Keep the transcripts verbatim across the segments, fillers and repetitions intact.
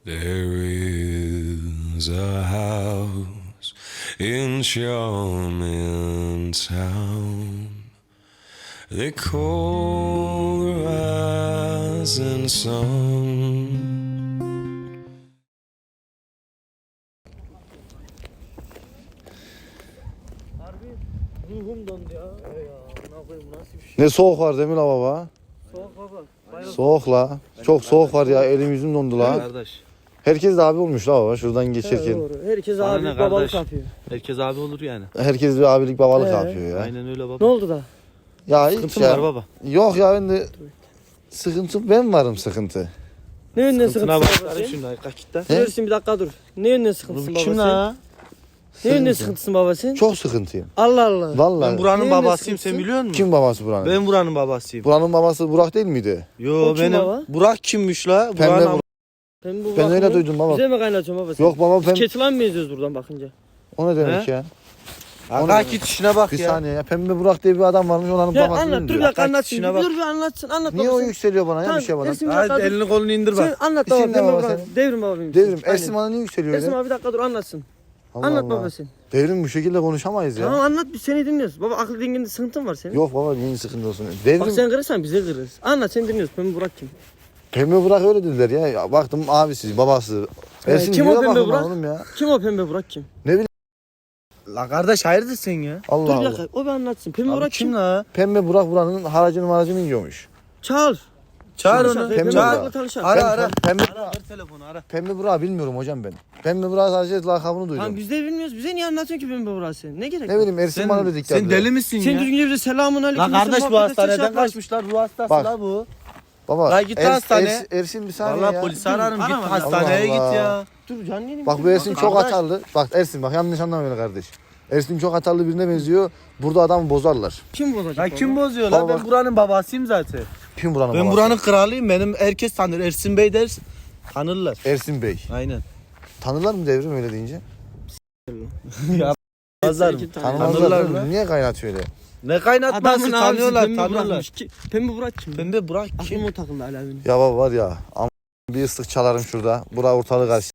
There is a house in Charming Town. They call the rising sun. Ruhum dondu ya. Ey ya, ne yapayım, nasıl bir şey? Ne soğuk var değil mi la baba? Soğuk baba. Bayağı Soğuk la. Çok soğuk var ya, elim yüzüm dondu la. Kardeş. Herkes de abi olmuş la baba şuradan Evet, geçerken. doğru. Herkes Bana abi ne babalık kardeş? yapıyor. Herkes abi olur yani. Herkes bir abilik babalık Ee? yapıyor ya. Aynen öyle baba. Ne oldu da? Ya hiç Sıkıntın ya. var baba. Yok ya, ben de sıkıntı, ben varım sıkıntı. Ne yönden Sıkıntına sıkıntısı bak. babası? Şimdi kalk git lan. He? Dursun bir dakika dur. Ne yönden sıkıntısın babası? Kim la? Ne yönden Sıkıntı. sıkıntısın babası? Çok sıkıntıyım. Allah Allah. Vallahi. Ben buranın Neyin babasıyım, sen sıkıntısı? biliyor musun? Kim babası buranın? Ben buranın babasıyım. Buranın babası Burak değil miydi? Yo O kim benim. baba? Burak kimmiş la? Pembe Burak'ın Burak. Ben, bu Ben öyle bakımı duydum baba. Bize mi kaynatıyorsun babası? Yok baba, Biz ben... Keçilan mı yazıyoruz buradan bakınca? O ne demek He? ya? Aga git işine bak Bir ya. saniye ya, Pembe Burak diye bir adam varmış, onların Ya babası anlat değil dur bir diyor. dakika anlatsın. işine bak. Dur bir anlatsın. Anlat Niye o babası. yükseliyor bana ya, Tamam, bir şey bana? Ersin bir dakika Hadi dur. elini kolunu indir Sen bak. anlat İsim baba. ne Pembe baba Burak. senin? Devrim baba benim. Devrim, Aynen. Ersin bana niye yükseliyor Ersin öyle? abi bir dakika dur anlatsın. Allah Anlat Allah. babası. Devrim, bu şekilde konuşamayız ya. Tamam anlat biz seni dinliyoruz. Baba akıl denginde sıkıntın var senin. Yok baba, niye sıkıntı olsun? Devrim, Bak sen kırırsan biz de kırırız. Anlat seni dinliyoruz. Pembe Burak kim? Pembe Burak öyle dediler ya. Ya baktım abisi, babası. Ee, Ersin kim diyor o da Pembe bakın Burak? oğlum ya. Kim o Pembe Burak kim? La kardeş hayırdır sen ya? Allah Dur bir Allah. dakika o bir anlatsın. Pembe Abi Burak kim kim? la? Pembe Burak buranın haracını maracını yiyormuş. Çağır. Çağır Tanışalım. onu. Pembe Çağır. Burak'la tanışalım. Ara Ben ara. Pembe, Ara ver telefonu ara. Pembe Burak'ı bilmiyorum hocam ben. Pembe Burak sadece lakabını duydum. Lan biz de bilmiyoruz. Bize niye anlatıyorsun ki Pembe Burak sen? Ne gerek Ne var? bileyim, Ersin bana dedik sen deli misin Sen ya? düzgünce bize selamun aleyküm. La kardeş sen bu muhabbet edecek şey hastaneden yapmaz. kaçmışlar. Ruh hastası Bak. la bu. Baba, La git Ers- hastaneye. Ersin, Ersin bir saniye Valla ya. polisi ararım. Git Arama. hastaneye Allah Allah. git ya. Dur canlı yerim. Bak bu Ersin çok Kardeş. atarlı. Bak Ersin, bak yanlış anlama beni kardeş. Ersin çok atarlı birine benziyor. Burada adamı bozarlar. Kim bozacak? La baba? kim bozuyor la? Baba Ben bak. buranın babasıyım zaten. Kim buranın Ben babası? buranın kralıyım. Benim herkes tanır. Ersin Bey deriz. Tanırlar. Ersin Bey. Aynen. Tanırlar mı Devrim öyle deyince? ya Tanırlar mı? Sekiz tane. Tanımazlar Tanımazlar mı? değil mi? Niye kaynatıyor öyle? Ne kaynatması Adamın abisi tanıyorlar Pembe tanıyorlar. Burak'mış. Ki- Pembe Burak kim? Pembe Burak Aklım kim? o takıldı hala benim. Ya baba var ya, am bir ıslık çalarım şurada. Bura ortalığı karşı.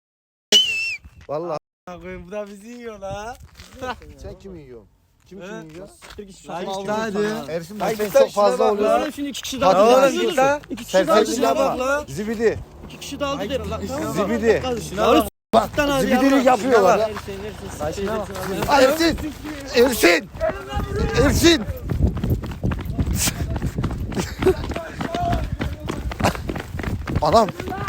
Vallahi. Bu da bizi yiyor la. Sen kimi yiyorsun? Kim He? kimi yiyor? Bir kişi Ay sokma işte aldı. hadi. Ersin Ay bak sen git lan çok şuna fazla bak oluyorsun. Oğlum şimdi iki kişi Hadi dağıldı. lan Lan git sus. la. İki kişi Sen dağıldı. sen şuna Şuna bak bak. la. Zibidi. İki kişi dağıldı Ay, derim lan. şuna Tamam mı? bak. Zibidi. Lan Şuna sus. bak. Bak Lan hadi zibidilik yavrum. yapıyorlar ya. Ersin, Ersin, Ay, Ersin, şuna bak. Ersin, Ersin. Ersin! Ersin! Ersin! Anam!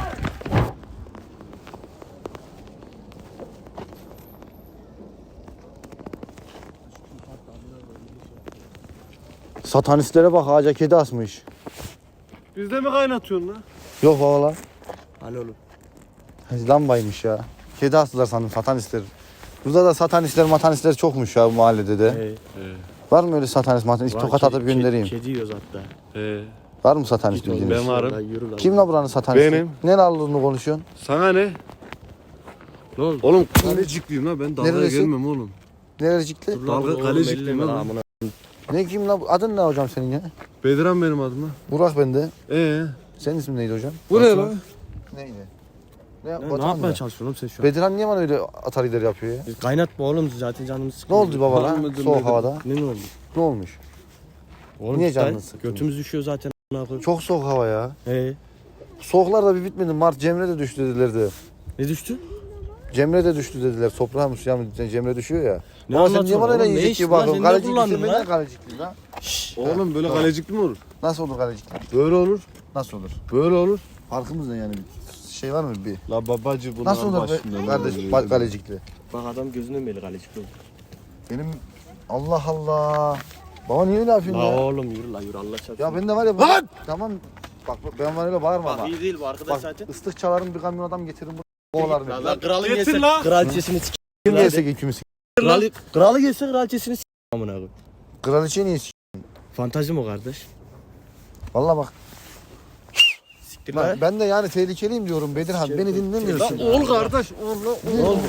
Satanistlere bak, ağaca kedi asmış. Bizde mi kaynatıyorsun lan? Yok baba lan. Hadi oğlum. Lambaymış ya. Kedi astılar sandım satanistler. Burada da satanistler matanistler çokmuş ya bu mahallede de. He. Var mı öyle satanist matanist? Tokat atıp göndereyim. Kedi yiyoruz hatta. He. Var mı satanist bildiğiniz? Ben varım. Kim la buranın satanisti? Benim. Ne lallığını konuşuyorsun? Sana ne? Ne oldu? Oğlum kalecikliyim la, ben dalga Neresi? gelmem oğlum. Nerecikli? Dalga kalecikliyim la. Ne kim la? Adın ne hocam senin ya? Bedran benim adım la. Burak bende. Ee, Senin ismin neydi hocam? bu ne la? Neydi? Ne, Ne, ne Batuhan yapmaya mı? çalışıyorsun oğlum sen şu an? Bedirhan niye bana öyle atar ileri yapıyor ya? Biz kaynatma oğlum zaten canımız Ne sıkılıyor. oldu baba lan? Demedim, Soğuk dedim. havada. Ne ne oldu? Ne olmuş? Oğlum Niye işte canını sıktın? Götümüz düşüyor zaten. Çok. Çok soğuk hava ya. He. Soğuklar da bir bitmedi. Mart Cemre de düştü dediler de. Ne düştü? Cemre de düştü dediler. Toprağa mı suya mı Cemre düşüyor ya. Ne Ama sen niye anlatıyorsun bana öyle oğlum? Ne yiyecek işin gibi lan? bakıyorsun? Sen ne Kalecikli kullandın sen ben lan? de kalecikliyim lan. Oğlum böyle Tamam. kalecikli mi olur? Nasıl olur kalecikli? Böyle olur. Nasıl olur? Böyle olur. Farkımız ne yani? Bir şey var mı bir? La babacı bunun Nasıl olur be kardeş ba- kalecikli? Bak adam gözünden belli kalecik oldu. Benim Allah Allah. Baba niye öyle yapıyorsun La ya? oğlum yürü la yürü Allah çarpsın. Ya ben de var ya. Lan! Tamam. Bak bak, ben var öyle bağırma ama. Bak iyi değil bu arkadaş Bak zaten. ıslık çalarım, bir kamyon adam getiririm bu kovalarım. La, la kralı Getir gelse la. kraliçesini s***. Kim gelse ikimiz. Kralı, kralı gelse kraliçesini s***. Amına koyayım. Kraliçe niye s***? Fantezi mi o kardeş? Valla bak. Siktir Ben, lan. ben de yani tehlikeliyim diyorum Bedirhan. Beni dinlemiyorsun. Oğul kardeş. Oğul.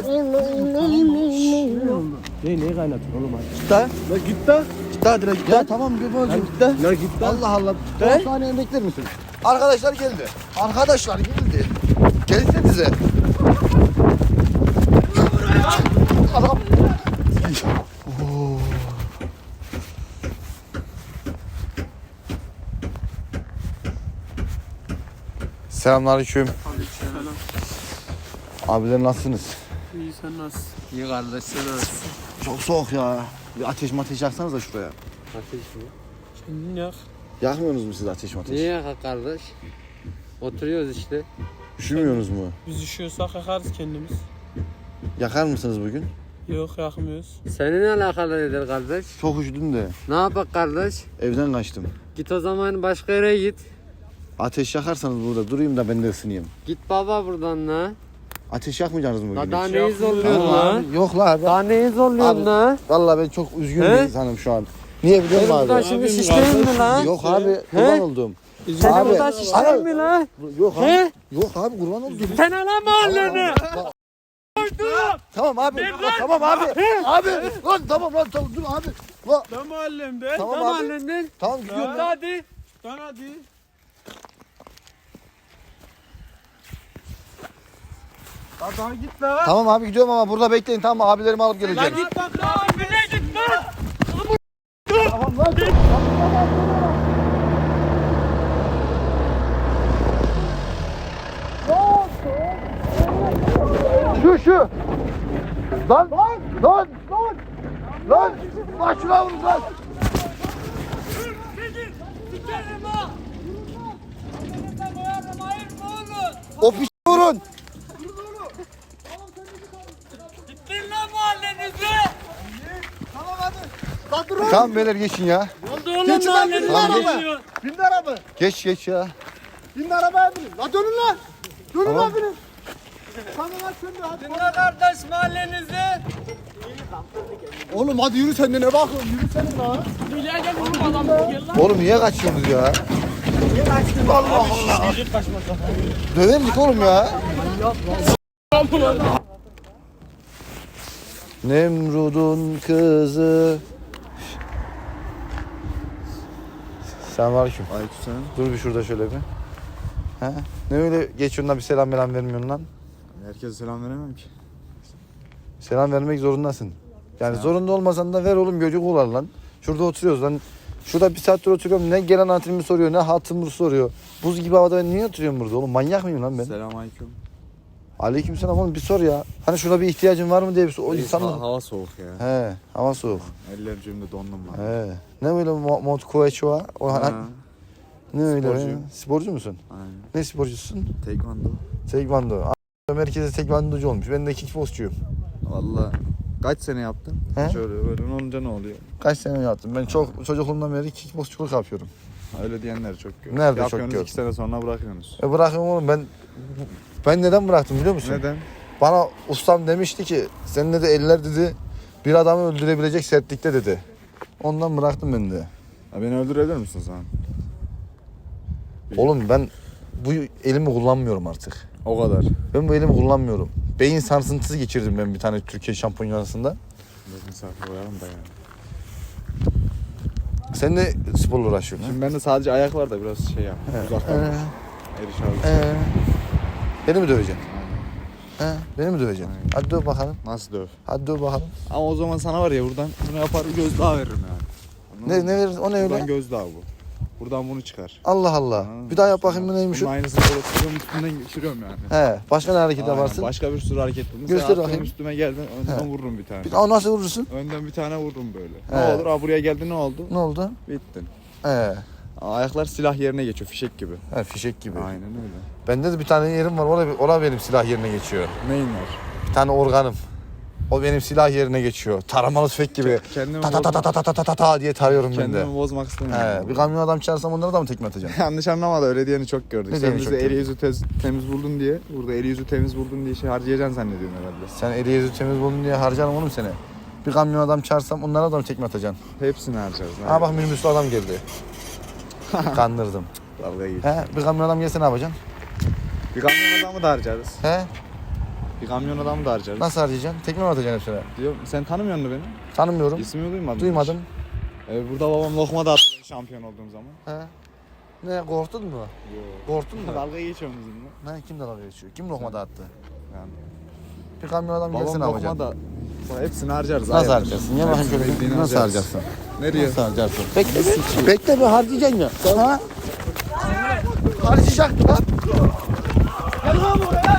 Ne neyi kaynatıyorsun oğlum hadi. Git lan. La git la. Git hadi la git Ya lan. tamam babacığım. Git lan. La git lan. Allah Allah. He? on saniye bekler misin? Arkadaşlar geldi. Arkadaşlar geldi. Gelsenize. gelsenize. Adam. Oo. Selamünaleyküm. Selam. Abiler nasılsınız? İyi sen nasılsın? İyi kardeş sen nasılsın? Çok soğuk ya. Bir ateş mateş yaksanız da şuraya. Ateş mi? Kendin yak. Yakmıyorsunuz mu siz ateş mateş? Niye yakak kardeş? Oturuyoruz işte. Üşümüyorsunuz mu? Biz üşüyorsak yakarız kendimiz. Yakar mısınız bugün? Yok yakmıyoruz. Senin ne alakalı nedir kardeş? Çok üşüdüm de Ne yapak kardeş? evden kaçtım. Git o zaman başka yere git. Ateş yakarsanız burada durayım da ben de ısınayım. Git baba buradan la. Ateş yakmayacaksınız mı bugün? La daha hiç? neyi zorluyorsun Tamam la? abi, yok la abi. Daha neyi zorluyorsun Abi, la? Vallahi ben çok üzgün He? bir insanım şu an. Niye biliyor musun Buradan abi? şimdi Abim şişleyin mi kardeş. la? Yok abi kurban oldum. Seni Abi, buradan şişleyin mi la? Yok abi. He? Yok abi kurban oldum. Sen ala mahalleni. Tamam abi. Tamam abi. Abi lan tamam lan tamam dur abi. Lan, Ne mahallemde? tamam Ne abi. mahallenden? Tamam gidiyorum. Ha? lan. Hadi. Lan hadi. Lan daha git lan. Tamam abi gidiyorum ama burada bekleyin tamam mı? Abilerimi alıp geleceğim. Lan git lan. Abine git lan. Tamam lan. Şu şu. Lan lan lan lan. Lan lan şuna vurun lan. O piç vurun. Gittin lan mahallenize. Tamam beyler geçin ya. Oldu oğlum mahallenize. Tamam, geç. gidiyor. Bin araba. Geç geç ya. Bin arabaya binin. La dönün lan. Dönün Tamam. lan binin. Tamam lan sen de hadi. Gittin lan kardeş mahallenize. Oğlum hadi yürü sen de ne bakıyorsun? Yürü sen de lan. Bileğe gel oğlum adam gel lan. Oğlum niye kaçıyorsunuz ya? Allah Allah. Döverdik oğlum ya. Nemrud'un kızı. Selamünaleyküm. Aleykümselam. Dur bir şurada şöyle bir. He? Ne öyle geçiyorsun da bir selam selam vermiyorsun lan? Herkese selam veremem ki. Selam vermek zorundasın. Yani zorunda olmasan da ver oğlum göcük olar lan. Şurada oturuyoruz lan. Şurada bir saattir oturuyorum. Ne gelen hatırımı soruyor ne hatırımı soruyor. Buz gibi havada ben niye oturuyorum burada oğlum? Manyak mıyım lan ben? Selam aleyküm. Aleykümselam oğlum bir sor ya. Hani şurada bir ihtiyacın var mı diye bir sor. O insanlar... Hava soğuk ya. He, hava soğuk. Ellerim cebimde dondum lan. He. Ne öyle mo- mont koeçua? O Ha, hani ne öyle? sporcuyum. Sporcu musun? aynen. Ne sporcusun? Tekvando. Tekvando. A- Merkeze tekvandocu olmuş. Ben de kickboksçuyum. Valla kaç sene yaptın? He? Şöyle böyle olunca ne oluyor? Kaç sene yaptım? Ben çok çocukluğumdan beri kickboksçuluk yapıyorum. Öyle diyenler çok gör. Nerede çok Yapıyorsunuz gördüm? iki sene sonra bırakıyorsunuz. E bırakın oğlum ben ben neden bıraktım biliyor musun? Neden? Bana ustam demişti ki senin de eller dedi bir adamı öldürebilecek sertlikte dedi. Ondan bıraktım ben de. Ha, beni öldürebilir misin sen? Oğlum ben bu elimi kullanmıyorum artık. O kadar. Ben bu elimi kullanmıyorum. Beyin sarsıntısı geçirdim ben bir tane Türkiye şampiyonasında. Bakın saklı koyalım da yani. Sen de sporla uğraşıyorsun. Şimdi bende sadece ayak var da biraz şey yap. Uzaktan. Ee, Eriş abi. ee, beni mi döveceksin? He, beni mi döveceksin? Aynen. Hadi döv bakalım. Nasıl döv? Hadi döv bakalım. Ama o zaman sana var ya buradan bunu yapar gözdağı veririm yani. Anladın Ne mı? ne verir? O ne öyle? Buradan gözdağı bu. Buradan bunu çıkar. Allah Allah. Anladın Bir mı? daha yap bakayım bu neymiş Bunun o? aynısını böyle tutuyorum üstünden geçiriyorum yani. He, başka ne hareket Aynen, yaparsın? Başka bir sürü hareket buldum. Göster Mesela bakayım. üstüme geldin önden He. vururum bir tane. Bir, aa, nasıl vurursun? Önden bir tane vururum böyle. He. Ne olur? Aa buraya geldi ne oldu? Ne oldu? Bittin. He, Aa, ayaklar silah yerine geçiyor fişek gibi. he fişek gibi. Aynen öyle. Bende de bir tane yerim var. Orada, orada benim silah yerine geçiyor. Neyin var? Bir tane organım. O benim silah yerine geçiyor. Taramalı tüfek gibi. Kendimi, Ta ta ta ta bozmak, ta ta ta ta ta diye tarıyorum ben de. kendimi bozmak istemiyorum. He, bir kamyon adam çağırsam onlara da mı tekme atacaksın? Yanlış anlama da öyle diyeni çok gördük. Ne Sen diyeni bizi çok eli gördük? yüzü tez, temiz buldun diye, burada eli yüzü temiz buldun diye şey harcayacaksın zannediyorsun herhalde. Sen eli yüzü temiz buldun diye harcarım oğlum seni. Bir kamyon adam çağırsam onlara da mı tekme atacaksın? Hepsini harcarız. Ha bak minibüslü adam geldi. Kandırdım. Dalga geç. He, bir kamyon adam gelse ne yapacaksın? Bir kamyon adamı da harcarız. He, Bir kamyon adamı da harcarız. nasıl harcayacaksın? Tekme mi atacaksın hepsine? Diyor, sen tanımıyor musun beni? Tanımıyorum. İsmimi duymadın. Duymadım. Hiç. Ee, burada babam lokma da attı şampiyon olduğum zaman. He. Ne korktun mu? Korktun mu? Dalga geçiyorum bizimle. Ne kim dalga geçiyor? Kim lokma dağıttı? Yani. Bir kamyon adam Babam gelsin lokma alacaksın. da Bak hepsini harcarız. Nasıl ayarlar. harcarsın? Ya bakayım Hepsini şöyle bildiğini nasıl harcarız. harcarsın? Nereye? Nasıl harcarsın? Bekle bir, bekle bir harcayacaksın ya. Ha? Harcayacaksın lan. Gel lan buraya.